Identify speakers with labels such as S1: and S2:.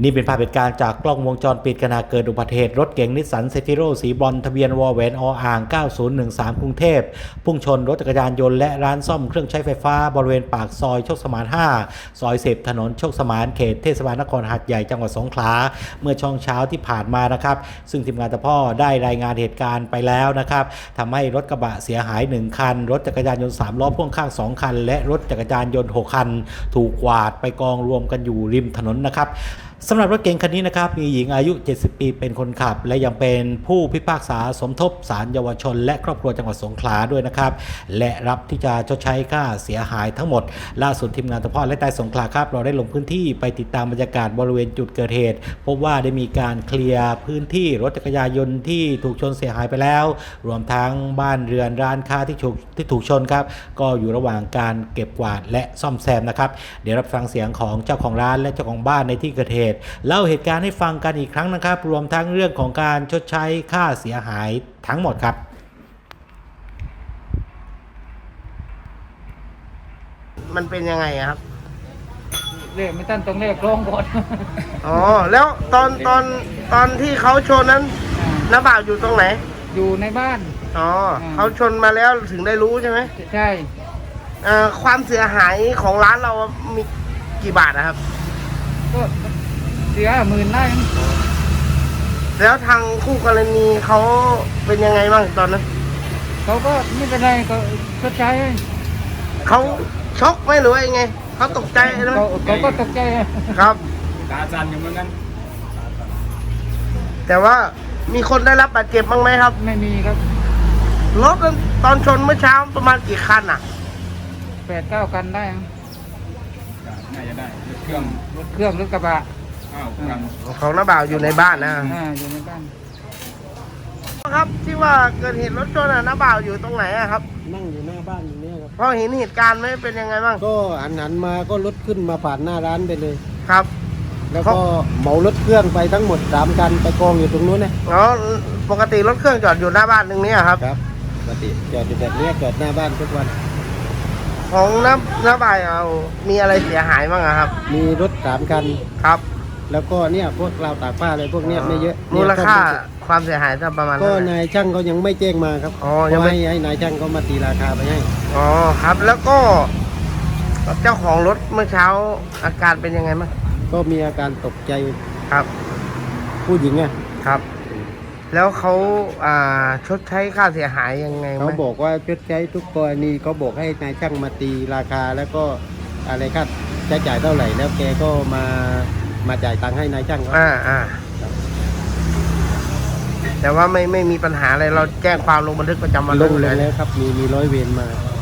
S1: นี่เป็นภาพเหตุการณ์จากกล้องวงจรปิดขณะเกิดอุบัติเหตุรถเก๋งนิสสันเซฟิโรสีบรอนซ์ทะเบียนวอแหวนออ่าง9013กรุงเทพพุ่งชนรถจักรยานยนต์และร้านซ่อมเครื่องใช้ไฟฟ้าบริเวณปากซอยโชคสมาน5ซอย10ถนนโชคสมานเขตเทศบาลนครหาดใหญ่จังหวัดสงขลาเมื่อช่วงเช้าที่ผ่านมานะครับซึ่งทีมงานตะพ่อได้รายงานเหตุการณ์ไปแล้วนะครับทำให้รถกระบะเสียหาย1คันรถจักรยานยนต์3ล้อพ่วงข้าง2คันและรถจักรยานยนต์6คันถูกกวาดไปกองรวมกันอยู่ริมถนนนะครับสำหรับรถเก๋งคันนี้นะครับมีหญิงอายุ70ปีเป็นคนขับและยังเป็นผู้พิพากษาสมทบศาลเยาวชนและครอบครัวจังหวัดสงขลาด้วยนะครับและรับที่จะชดใช้ค่าเสียหายทั้งหมดล่าสุดทีมงานตะพ่อและใต้สงขลาครับเราได้ลงพื้นที่ไปติดตามบรรยากาศบริเวณจุดเกิดเหตุพบว่าได้มีการเคลียร์พื้นที่รถจักรยานยนต์ที่ถูกชนเสียหายไปแล้วรวมทั้งบ้านเรือนร้านค้าที่ถูกชนครับก็อยู่ระหว่างการเก็บกวาดและซ่อมแซมนะครับเดี๋ยวรับฟังเสียงของเจ้าของร้านและเจ้าของบ้านในที่เกิดเหตุเล่าเหตุการณ์ให้ฟังกันอีกครั้งนะครับรวมทั้งเรื่องของการชดใช้ค่าเสียหายทั้งหมดครับ
S2: มันเป็นยังไงครับ
S3: เลขไม่ตั้นตรงเลขลงก่อน
S2: อ๋อแล้วตอนที่เขาชนนั้นน้าบ่าวอยู่ตรงไหน
S3: อยู่ในบ้าน
S2: อ๋อเขาชนมาแล้วถึงได้รู้ใช่ไหม
S3: ใช่
S2: ความเสียหายของร้านเรามีกี่บาทนะครับ
S3: ก็เสีย10,000ได้
S2: แล้วทางคู่กรณีเขาเป็นยังไงบ้างตอนนั้น
S3: เขาก็ไม่เป็นไรก็ชดใช้
S2: เขาช็อกไหมหรือว่ายังไงเขาตกใจไหม
S3: เขาก็ตกใจ
S2: ครับ
S3: ตาจันอยู่เหมือนกัน
S2: แต่ว่ามีคนได้รับบาดเจ็บบ้างไหมครับ
S3: ไม่มีครับ
S2: รถตอนชนเมื่อเช้าประมาณกี่คันอ่ะ
S3: 8-9 คันได้
S4: น่าจะได้รถเครื่อง
S3: รถกระบะ
S2: ของน้าบ่าวอยู่ในบ้านนะ
S3: อยู่ในบ้าน
S2: ครับที่ว่าเกิดเหตุรถชนน้าบ่าวอยู่ตรงไหนอะครับ
S5: นั่งอยู่หน้าบ้านอยู่เนี่ยครับ
S2: พอเห็นเหตุการณ์ไหมเป็นยังไงบ้าง
S5: ก็หันมาก็รถขึ้นมาผ่านหน้าร้านไปเลย
S2: ครับ
S5: แล้วก็เหมารถเครื่องไปทั้งหมด3 คันไปกองอยู่ตรงนู้นนะ
S2: อ๋อปกติรถเครื่องจอดอยู่หน้าบ้านตรงนี้ครับ
S5: ครับปกติจอดอยู่แบบนี้จอดหน้าบ้านทุกวัน
S2: ของน้าบ่าวมีอะไรเสียหายบ้างครับ
S5: มีรถ3 คัน
S2: ครับ
S5: แล้วก็เนี่ยพวกราวตากผ้าอะไรพวกเนี้ยไม่เยอะ
S2: มูลค่าความเสียหายประมาณ
S5: ก็นายช่างเขายังไม่แจ้งมาครับยังไม่ให้นายช่างเขามาตีราคาไปให้
S2: อ๋อครับแล้วก็เจ้าของรถเมื่อเช้าอาการเป็นยังไงบ้าง
S5: ก็มีอาการตกใจ
S2: ครับ
S5: ผู้หญิงอ่ะ
S2: ครับแล้วเขาชดใช้ค่าเสียหายยังไง
S5: เขาบอกว่าชดใช้ทุกกรณีเขาบอกให้นายช่างมาตีราคาแล้วก็อะไรค่าใช้จ่ายเท่าไหร่แล้วแกก็มาจ่ายตังค์ให้นายช่างเขา
S2: แต่ว่าไม่มีปัญหาอะไรเราแจ้งความลงบันทึกประจำวัน
S5: ลงแล้วครับมีร้อยเวรมา